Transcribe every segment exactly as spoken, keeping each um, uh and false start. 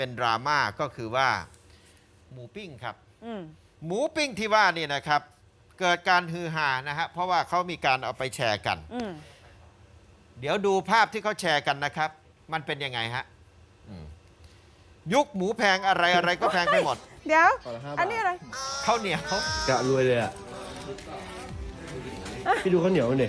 เป็นดราม่าก็คือว่าหมูปิ้งครับอืมหมูปิ้งที่ว่านี่นะครับ เกิดการฮือฮานะฮะเพราะว่าเขามีการเอาไปแชร์กันอืมเดี๋ยวดูภาพที่เขาแชร์กันนะครับ มันเป็นยังไงฮะอืมยุคหมูแพงอะไรอะไรก็แพงไปหมดเดี๋ยวขอละห้าบาทอันนี้อะไรข้าวเหนียวกะรวยเลยอ่ะ พี่ดูข้าวเหนียวมันดิ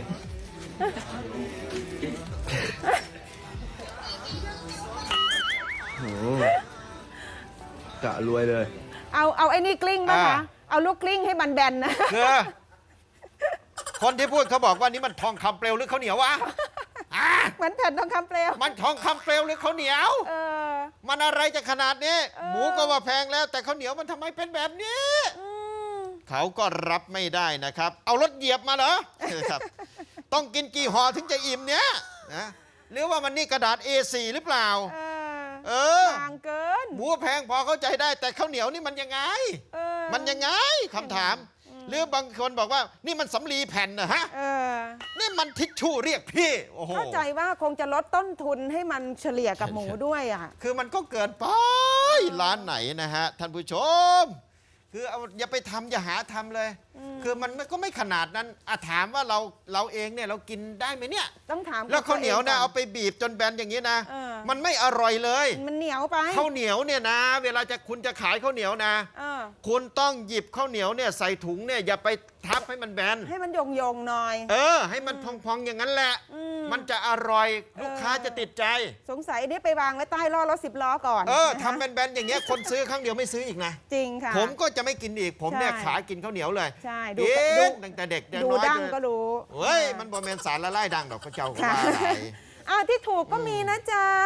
โอ้โหกะรวยเลยเอาเอาไอ้นี่กลิ้งป่ะอ่าคะเอาลูกกลิ้งให้มันแบนนะคือคนที่พูดเขาบอกว่านี่มันทองคำเปลวหรือข้าวเหนียววะอ่ะเหมือนแผ่นทองคำเปลวมันทองคำเปลวหรือข้าวเหนียวเออมันอะไรจะขนาดนี้เออหมูก็ว่าแพงแล้ว แต่ข้าวเหนียวมันทำไมเป็นแบบนี้อืมเขาก็รับไม่ได้นะครับ เอารถเหยียบมาเหรอ ครับ ต้องกินกี่ห่อถึงจะอิ่มเนี้ยนะหรือว่ามันนี่กระดาษ เอ โฟร์ หรือเปล่าเออเออบางเกินหมูแพงพอเข้าใจได้ แต่ข้าวเหนียวนี่มันยังไงเออมันยังไงคำถาม หรือบางคนบอกว่านี่มันสำลีแผ่นนะฮะเออนี่มันทิชชู่เรียกพี่ โอ้โหเข้าใจว่าคงจะลดต้นทุนให้มันเฉลี่ยกับหมูด้วยอ่ะคือมันก็เกินไปร้านไหนนะฮะ ท่านผู้ชม คือเอาอย่าไปทำอย่าหาทำเลย คือมันก็ไม่ขนาดนั้นอะถามว่าเราเราเองเนี่ยเรากินได้ไหมเนี่ยต้องถามแล้วข้าวเหนียวนะตัเอางไปบีบจนแบนอย่างนี้นะเออมันไม่อร่อยเลยมันเหนียวไปข้าวเหนียวเนี่ยนะ เวลาจะคุณจะขายข้าวเหนียวนะเออคุณต้องหยิบข้าวเหนียวเนี่ยใส่ถุงเนี่ยอย่าไปทับให้มันแบนให้มันโยงโยงๆหน่อยเออ ให้มันพองๆอย่างนั้นแหละอืมมันจะอร่อยลูกค้าจะติดใจสงสัยอันนี้ไปวางไว้ใต้ล้อรถสิบล้อก่อนเออนะคะทำแบนๆอย่างเงี้ยคนซื้อครั้งเดียวไม่ซื้ออีกนะจริงค่ะผมก็จะไม่กินอีก ผมเนี่ยใช่ขากินข้าวเหนียวเลยใช่ดูเอ๊ดูะตั้งแต่เด็กแต่ดูน้อยดั้งเลยก็รู้เฮ้ย มันบอแมนสารละลายดังดอกพระเจ้าก็ค่ะว่าอะไรอ่าที่ถูกก็มีนะจ๊ะ